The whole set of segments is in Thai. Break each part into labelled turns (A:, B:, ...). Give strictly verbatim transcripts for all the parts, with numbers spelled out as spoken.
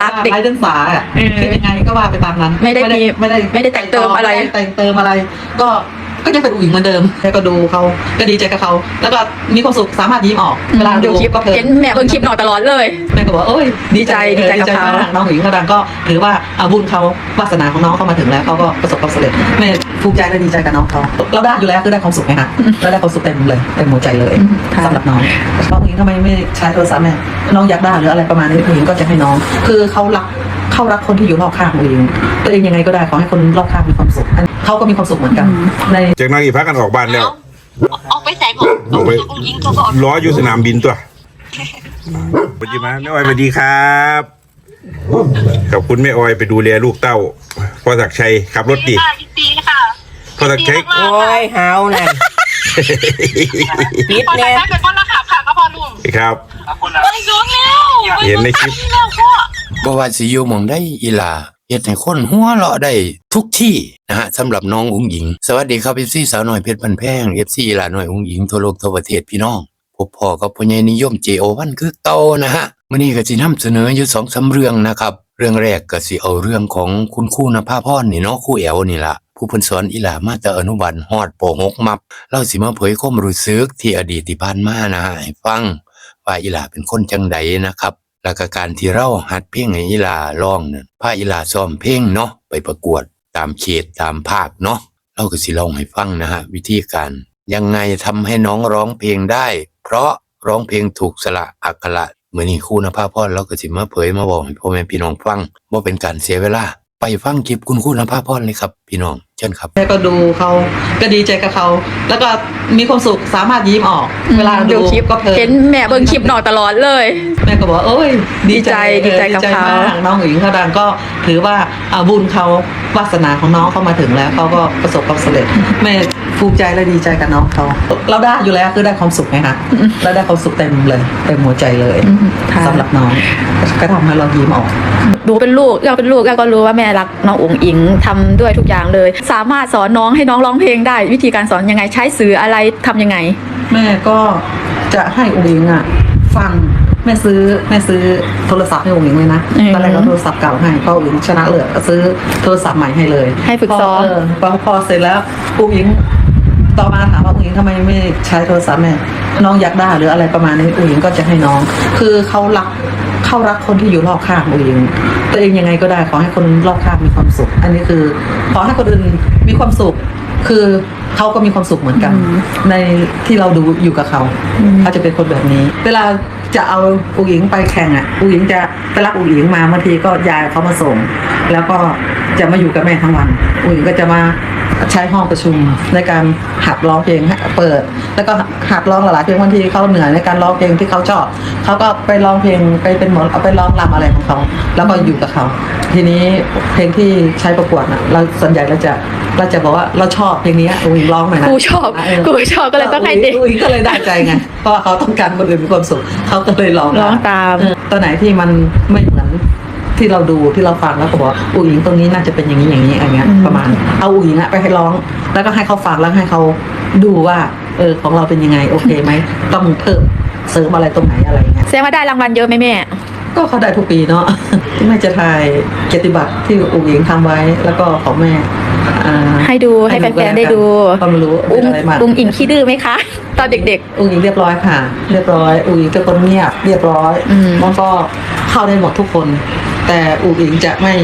A: เด็กไร้เรื่องสาอ่ะคิดยังไงก็ว่าไปตามนั้น
B: ไม่ได้
A: ไม่ได้
B: ไม่ได้แต่งเติมอะไร
A: แต่งเติมอะไรก็ก็ยังเป็นผู้หญิงเหมือนเดิมแค่ก็ดูเขาก็ดีใจกับเขาแล้วก็มีความสุขสามารถยิ้มออกเวลาดูคลิปก็เพลิน
B: เห็นแม่เบิ่งคลิปหน่อยตลอดเลย
A: แม่ก็บอกโอ้ย
B: ดีใจดีใจกับเขา
A: น้องหญิงเขาดังก็ถือว่าอาบุญเขาวาสนาของน้องเขามาถึงแล้วเขาก็ประสบความสำเร็จแม่ภูมิใจและดีใจกับน้องเขาเราได้อยู่แล้วคือได้ความสุขไงฮะเราได้ความสุขเต็มเลยเต็มหัวใจเลยสำหรับน้องน้องหญิงทำไมไม่ใช้โทรศัพท์แม่น้องอยากได้หรืออะไรประมาณนี้ผู้หญิงก็จะให้น้องคือเขารักเขารักคนที่อยู่รอบข้างตัวเองตัวเองยังไงก็ได้ขอให้คนรอบข้างมีความสุขเขาก็มีความสุขเหมือนกันใน
C: จากนั้นอีกพักกันออกบ้านแล้ว
D: ออกไปใส่ผมออกไปยิงตัวก่อน
C: ล้ออยู่สนามบินตัวสวัสดีมาแม่ออยสวัสดีครับขอบคุณแม่ออยไปดูแลลูกเต้าพ่อศักดิ์ชัยขับรถดี
D: ดีค่ะ
C: พ่อศักดิ์ชัย
E: โอ้ยเฮาน่ะ
D: ปิดแน่เป็นคนละขับค่ะก็พอลุง
C: ครับ
D: ไปดูแล้ว
C: เห็นในคลิป
F: บ่ว่าสิอยู่หม่องใดอีหลาเฮ็ดให้คนหัวเราะได้ทุกที่นะฮะสำหรับน้องอุ๋งหญิงสวัสดีครับ เอฟ ซี สาวน้อยเพชรพันแพง เอฟ ซี อีหลาน้อยอุ๋งหญิงทั่วโลกทั่วประเทศพี่น้องพบพ่อกับพ่อใหญ่นิยม เจ โอ วัน คือเก่านะฮะมื้อนี้ก็สินำเสนออยู่ สองสาม เรื่องนะครับเรื่องแรกก็สิเอาเรื่องของคุณครูณภาพรนี่เนาะครูแอวนี่ล่ะผู้เพิ่นสอนอีหลามาแต่อนุบาลฮอดป หก มับเราสิมาเผยความรู้สึกที่อดีตที่ผ่านมานะฮะให้ฟังว่าอีหลาเป็นคนจังไดนะครับแล้วก็การที่เราหัดเพลงให้อีหลาร้องนั่นพาอีหลาซ้อมเพลงเนาะไปประกวดตามเขตตามภาคเนาะเราก็สิเล่าให้ฟังนะฮะวิธีการยังไงทำให้น้องร้องเพลงได้เพราะร้องเพลงถูกสระอักขระมื้อนี้ครูณภาพรเราก็สิมาเผยมาบอกให้พ่อแม่พี่น้องฟังบ่เป็นการเสียเวลาไปฟังคลิปคุณครูณภาพรเลยครับพี่น้องเชิญครับ
A: แม่ก็ดูเขาก็ดีใจกับเขาแล้วก็มีความสุขสามารถยิ้มออกเวลาดูคลิปก็เพลิน
B: เห็นแม่เบิ่งคลิปหน่อยตลอดเลย
A: แม่ก็บอกโอ้ย
B: ดีใจดีใจกับเขา
A: น้องหญิงเขาดังก็ถือว่าอาบุญเขาวาสนาของน้องเขามาถึงแล้วเขาก็ประสบความสำเร็จแม่ภูมิใจและดีใจกับน้องเขาเราได้อยู่แล้วคือได้ความสุขไงคะเราได้ความสุขเต็มเลยเต็มหัวใจเลยสำหรับน้องก็ทำให้เรายิ้มออก
B: ดูเป็นลูกเราเป็นลูกก็รู้ว่าแม่รักน้องอุ๋งอิงทำด้วยทุกอย่างเลยสามารถสอนน้องให้น้องร้องเพลงได้วิธีการสอนยังไงใช้สื่ออะไรทำยังไง
A: แม่ก็จะให้อุ๋งอิงอ่ะฟังแม่ซื้อแม่ซื้อโทรศัพท์ให้อุ๋งอิงเลยนะตอนแรกก็โทรศัพท์เก่าให้พออุ๋งอิงชนะเลิศก็ซื้อโทรศัพท์ใหม่ให้เลย
B: ให้ฝึกซ้อม
A: พอพอเสร็จแล้วอุ๋งอิงต่อมาถามว่าอุ๋งอิงทำไมไม่ใช้โทรศัพท์แม่น้องอยากได้หรืออะไรประมาณนี้อุ๋งอิงก็จะให้น้องคือเขารักเขารักคนที่อยู่รอบข้างอุ๋งอิงตัวเองยังไงก็ได้ขอให้คนรอบข้างมีความสุขอันนี้คือขอให้คนอื่นมีความสุขคือเขาก็มีความสุขเหมือนกันในที่เราดูอยู่กับเขาเขาจะเป็นคนแบบนี้เวลาจะเอาอุ๋งอิงไปแข่งอ่ะอุ๋งอิงจะไปรับอุ๋งอิงมาบางทีก็ยายเขามาส่งแล้วก็จะมาอยู่กับแม่ทั้งวันอุ๋งอิงก็จะมาใช้ห้องประชุมในการหัดร้องเพลงเปิดแล้วก็หัดร้องหลายๆเพลงบางทีเขาเหนื่อยในการร้องเพลงที่เขาชอบเขาก็ไปร้องเพลงไปเป็นหมอเอาไปร้องรำอะไรของเขาแล้วก็อยู่กับเขาทีนี้เพลงที่ใช้ประกวดน่ะเราส่วนใหญ่เราจะเราจะบอกว่าเราชอบเพลงนี้อุ๋งอิงร้องหน่อยนะ
B: กูชอบกูชอบก็เลยต้องให้เด็ก
A: อุ๋งอิงก็เลยได้ใจไงเพราะว่าเขาต้องการคนอื่นมีความสุขเขาก็เลยร้อง
B: ร้องตาม
A: ตอนไหนที่มันไม่เหมือนที่เราดูที่เราฟังแล้วก็บอกอุ๋งอิงตรงนี้น่าจะเป็นอย่างนี้อย่างนี้อะไรเงี้ยประมาณเอาอุ๋งอิงอะไปให้ร้องแล้วก็ให้เขาฟังแล้วให้เขาดูว่าเออของเราเป็นยังไงโอเคไหมต้องเพิ่มเสริมอะไรตรงไหนอะไรเงี้ย
B: แสดงว่าได้รางวัลเยอะไหมแม่
A: ก็เขาได้ทุกปีเนาะที่แม่จะถ่ายเกียรติบัตรที่อุ๋งอิงทำไว้แล้วก็ของแม่
B: ให้ดูให้แฟนๆได้ดู
A: ความรู้อะไรมา
B: อุ๋งอิงขี้ดื้อไหมคะตอนเด็ก
A: ๆอุ๋งอิงเรียบร้อยค่ะเรียบร้อยอุ๋งอิงเป็นคนเงียบเรียบร้อยมันก็เข้าได้หมดทุกคนแต่อุ๋งอิงจะไม่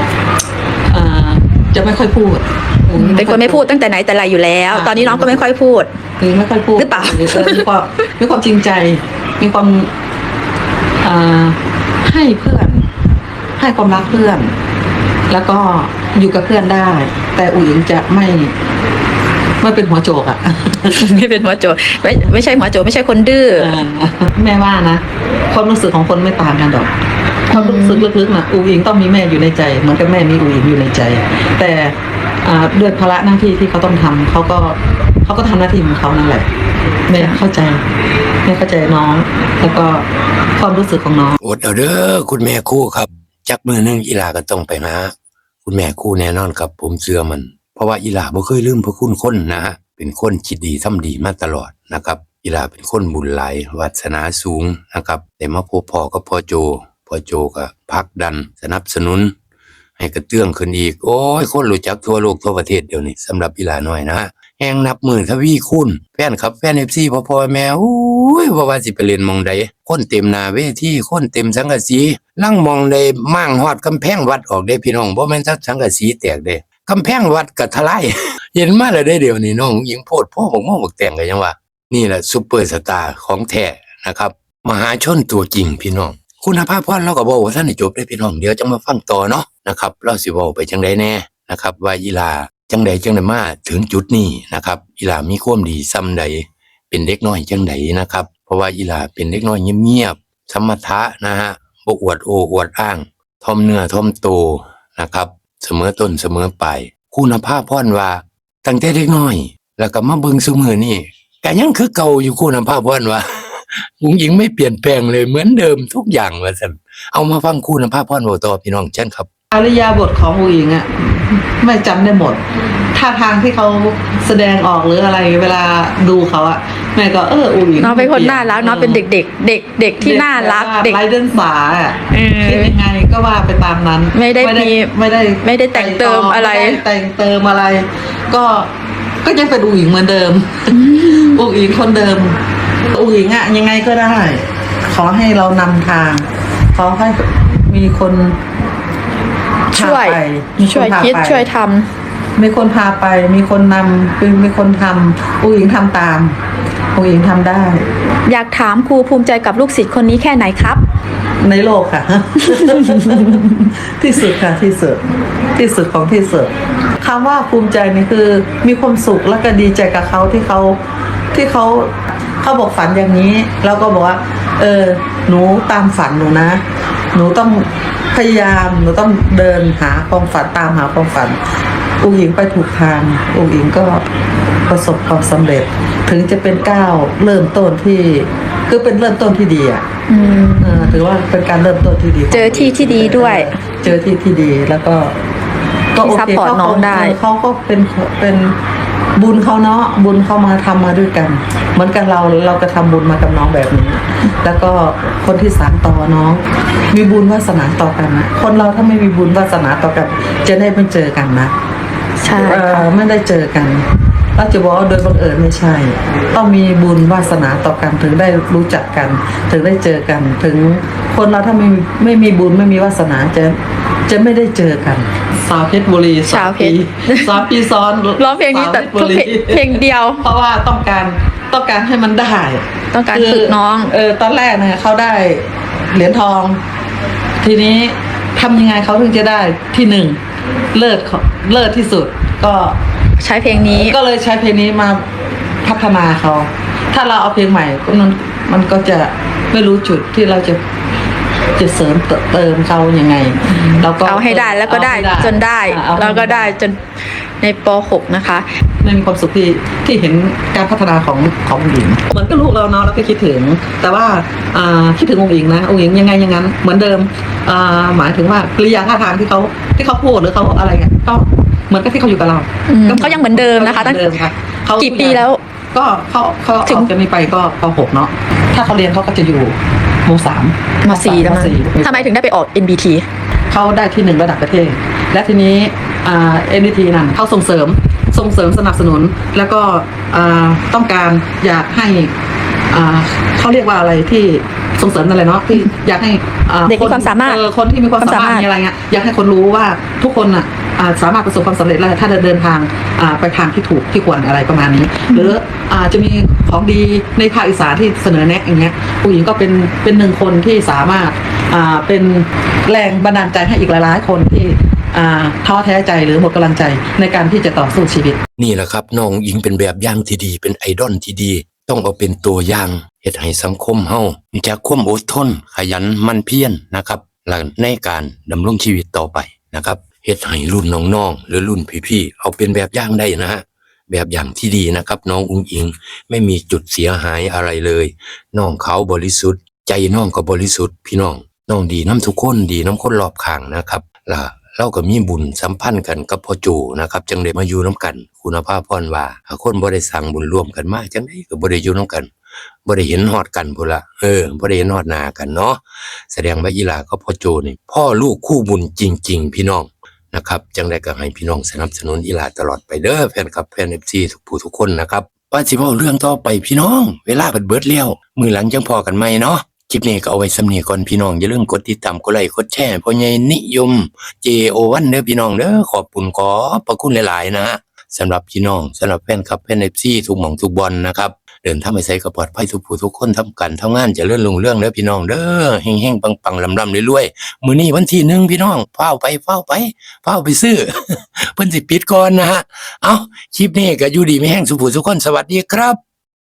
A: จะไม่ค่อยพูด
B: เป็นคนไม่พูดตั้งแต่ไหนแต่ไรอยู่แล้วตอนนี้น้องก็ไม่ค่อยพูด
A: อุ๋งอิงไม่ค่อยพูด
B: หรือเปล่า
A: มีความมีความจริงใจมีความให้เพื่อนให้ความรักเพื่อนแล้วก็อยู่กับเพื่อนได้แต่อุ๋งอิงจะไม่ไม่เป็นหัวโจกอ่ะ
B: ไม่เป็นหัวโจกไม่ไม่ใช่หัวโจกไม่ใช่คนดื้อ
A: แม่ว่านะความรู้สึกของคนไม่ต่างกันหรอกความรู้สึกลึกๆนะอุ๋งอิงต้องมีแม่อยู่ในใจเหมือนกับแม่มีอุ๋งอิงอยู่ในใจแต่ด้วยภาระหน้าที่ที่เขาต้องทำเขาก็เขาก็ทำหน้าที่ของเขานั่นแหละแม่เข้าใจแม่เข้าใจน้องแล้วก็ความรู้สึกของน้อง
F: อดเอาเด้อคุณแม่คู่ครับจักมือนึงอีหลาก็ต้องไปหาคุณแม่คู่แน่นอนครับผมเชื่อมันเพราะว่าอีหลาบ่เคยลืมพระคุณคนนะฮะเป็นคนคิดดีทำดีมาตลอดนะครับอีหลาเป็นคนบุญหลายวาสนาสูงนะครับได้มาพบพ่อกับพ่อโจพ่อโจก็ผลักดันสนับสนุนให้กระเตื้องขึ้นอีกโอ้ยคนรู้จักทั่วโลกทั่วประเทศเดี๋ยวนี้สำหรับอีหลาน้อยนะแฮงนับหมื่นทวีคูณแฟนครับแฟน เอฟ ซี พ่อพ่อแม่โอ้ยบ่ว่าสิไปเล่นหม่องใดคนเต็มหน้าเวทีคนเต็มสังกะสีลังมองได้มั่งฮอดกำแพงวัดออกได้พี่น้องบ่แม่นซักสังกะสีแตกเด้กำแพงวัดก็ทลาย เห็นมาแล้วได้เดี๋ยวนี้น้องหญิงโพดพ่อบอกม่อบอกแต่งก็ยังว่านี่แหละซุปเปอร์สตาร์ของแท้นะครับมหาชนตัวจริงพี่น้องคุณภาพพรเราก็บอกว่าท่านได้จบได้พี่น้องเดี๋ยวจะมาฟังต่อเนาะนะครับเราสิเว้าไปจังไดแน่นะครับว่าอีหลาจังใดจังไดมาถึงจุดนี้นะครับอีหลามีความดีซำใดเป็นเด็กน้อยจังใดนะครับเพราะว่าอีหลาเป็นเด็กน้อยเงียบๆสมถะนะฮะบ่อวดโอ้อวดอ้างถ่อมเนื้อถ่อมโตนะครับเสมอต้นเสมอปลายคุณภาพพรว่าตั้งแต่เด็กน้อยแล้วก็มาเบิ่งซุมื้อนี้ก็ยังคือเก่าอยู่คุณภาพพรว่าผู้หญิงไม่เปลี่ยนแปลงเลยเหมือนเดิมทุกอย่างว่าซั่นเอามาฟังคุณภาพพรเว้าต่อพี่น้องเชิญครับ
A: อริยาบทของอุ๋งอิงอ่ะไม่จำได้หมดท่าทางที่เขาแสดงออกหรืออะไรเวลาดูเขาอ่ะแม่ก็เอออุ๋งอิง
B: น้องเป็นคนน่ารักน้องเป็นเด็กๆเด็กเด็กที่น่ารักเด็ก
A: ไร้เดินสาอ่ะคิดยังไงก็ว่าไปตามนั้น
B: ไม่ได้มี
A: ไม่ได้
B: ไม่ได้แต่งเติมอะไร
A: ม่ด้แต่งเติมอะไร ก็ก็ยังเป็นอุ๋งอิงเหมือนเดิมอุ๋งอิงคนเดิมอุ๋งอิงอ่ะยังไงก็ได้ ขอให้เรานำทางขอให้มีคน
B: ช่วยช่วยคิดช่วยทำ
A: มีคนพาไปมีคนนำมีคนทำอุ๋งอิงทำตามอุ๋งอิงทำได้
B: อยากถามครูภูมิใจกับลูกศิษย์คนนี้แค่ไหนครับ
A: ในโลกค่ะ ที่สุดค่ะที่สุดที่สุดของที่สุดคำว่าภูมิใจนี่คือมีความสุขและก็ดีใจกับเขาที่เขาที่เขาเขาบอกฝันอย่างนี้แล้วก็บอกว่าเออหนูตามฝันหนูนะหนูต้องพยายามหนูต้องเดินหาความฝันตามหาความฝันอุ๋งอิงไปถูกทางอุ๋งอิงก็ประสบความสำเร็จถึงจะเป็นก้าวเริ่มต้นที่คือเป็นเริ่มต้นที่ดีอ่ะถือว่าเป็นการเริ่มต้นที่ดี
B: เจอที่ที่ดีด้วย
A: เจอที่ที่ดีแล้วก็
B: ก็โอเคเขาเขา
A: เขาก็เป็นเป็นบุญเขาเนาะบุญเขามาทำมาด้วยกันเหมือนกันเราเราก็ทำบุญมากับน้องแบบนี้แล้วก็คนที่สานต่อน้องมีบุญวาสนาต่อกันนะคนเราถ้าไม่มีบุญวาสนาต่อกันจะได้ไม่เจอกันนะ
B: ใช่
A: ไม่ได้เจอกันเราจะบอกว่าโดยบังเอิญไม่ใช่ต้องมีบุญวาสนาต่อกันถึงได้รู้จักกันถึงได้เจอกันถึงคนเราถ้าไม่ไม่มีบุญไม่มีวาสนาจะจะไม่ได้เจอกันสาวเพชรบุรี
B: สาวเพชร
A: สาวปีซ้อน
B: ร้องเพลงนี้แต่ทุกเพลงเดียว
A: เพราะว่าต้องการต้องการให้มันได้
B: ต้องการฝึกน้อง
A: เออตอนแรกเนี่ยเขาได้เหรียญทองทีนี้ทำยังไงเขาถึงจะได้ที่หนึ่งเลิศเลิศที่สุดก็
B: ใช้เพลงนี้
A: ก็เลยใช้เพลงนี้มาพัฒนาเขาถ้าเราเอาเพลงใหม่ก็มันมันก็จะไม่รู้จุดที่เราจะจะเสริมเติมเขายังไงเราก็
B: เอาให้ได้แล้วก็ได้จนได้แล้วก็ได้จนในป หกนะคะ
A: ไม่มีความสุขที่ที่เห็นการพัฒนาของของอุ๋งอิงเหมือนกับลูกเราเนาะเราก็คิดถึงแต่ว่าคิดถึงอุ๋งอิงนะอุ๋งอิงยังไงยังงั้นเหมือนเดิมหมายถึงว่ากริยาท่าทางที่เขาที่เขาพูดหรือเขาอะไรเงี้ยก็เหมือนกับที่เขาอยู่กับเรา
B: ก็ยังเหมือนเดิมนะคะตั้งกี่ปีแล้ว
A: ก็เขาเขาถึงจะมีไปก็ป หกเนาะถ้าเขาเรียนเขาก็จะอยู่ม.สาม
B: ม.สี่แล้วมั้งทำไมถึงได้ไปออก เอ็น บี ที
A: เขาได้ที่หนึ่งระดับประเทศและทีนี้เอ็น บี ที นั่นเขาส่งเสริมส่งเสริมสนับสนุนแล้วก็ต้องการอยากให้เขาเรียกว่าอะไรที่ส่งเสริมอะไรเนาะที่อยากให้
B: เด็กมีความสามารถ
A: คนที่มีความสามารถมีอะไรเงี้ยอยากให้คนรู้ว่าทุกคนอ่ะสามารถประสบความสำเร็จแล้วถ้าเดินทางไปทางที่ถูกที่ควรอะไรประมาณนี้หรืออาจจะมีของดีในภาคอีสานที่เสนอแนะอย่างเงี้ยผู้หญิงก็เป็นเป็นหนึ่งคนที่สามารถเป็นแรงบันดาลใจให้อีกหลายๆคนที่ท้อแท้ใจหรือหมดกำลังใจในการที่จะต่อสู้ชีวิต
F: นี่แหละครับน้องหญิงเป็นแบบอย่างที่ดีเป็นไอดอลที่ดีต้องเอาเป็นตัวอย่างเฮ็ดให้สังคมเฮามีจักความอดทนขยันมั่นเพียรนะครับและในการดำรงชีวิตต่อไปนะครับเฮ็ดให้รุ่นน้องๆหรือรุ่นพี่ๆเอาเป็นแบบอย่างได้นะฮะแบบอย่างที่ดีนะครับน้องอุ๋งอิงไม่มีจุดเสียหายอะไรเลยน้องเขาบริสุทธิ์ใจน้องก็บริสุทธิ์พี่น้องน้องดีน้ำทุกคนดีน้ำคนรอบข้างนะครับล่ะเราก็มีบุญสัมพันธ์กันกับพ่อโจนะครับจังได้มาอยู่น้ำกันคุณภาพพรว่าคนบ่ได้สั่งบุญร่วมกันมาจังได้ก็บ่ได้อยู่น้ำกันบ่ได้เห็นฮอดกันพุ่นละเออบ่ได้เห็นฮอดหน้ากันเนาะแสดงว่าอีหลาก็พ่อโจนี่พ่อลูกคู่บุญจริงๆพี่น้องนะครับจังได๋ก็ให้พี่น้องสนับสนุนอีหลาตลอดไปเด้อแฟนคลับแฟน เอฟ ซี ทุกผู้ทุกคนนะครับว่าสิเว้าเรื่องต่อไปพี่น้องเวลาเบิดเบิดแล้วมื้อหลังจังพอกันใหม่เนาะคลิปนี้ก็เอาไว้สำนี้ก่อนพี่น้องอย่าลืมกดติดตามกดไลค์กดแชร์พ่อใหญ่นิยม เจ โอ วัน เด้อพี่น้องเด้อขอบคุณขอพระคุณหลายๆนะฮะสำหรับพี่น้องสำหรับแฟนคลับแฟน เอฟ ซี ทุกหม่องทุกบอลนะครับเดินทางไปไสก็ปลอดภัยทุกผู้ทุกคนทำกันทำงานเจริญรุ่งเรืองเด้อพี่น้องเด้อเฮงๆปังๆลำๆรวยๆมื้อนี้วันที่หนึ่งพี่น้องเฝ้าไปเฝ้าไปเฝ้าไปซื้อ เพิ่นสิปิดก่อนนะฮะเอ้าคลิปนี้ก็อยู่ดีมีแห้งสุขผู้ทุกคนสวัสดีครับ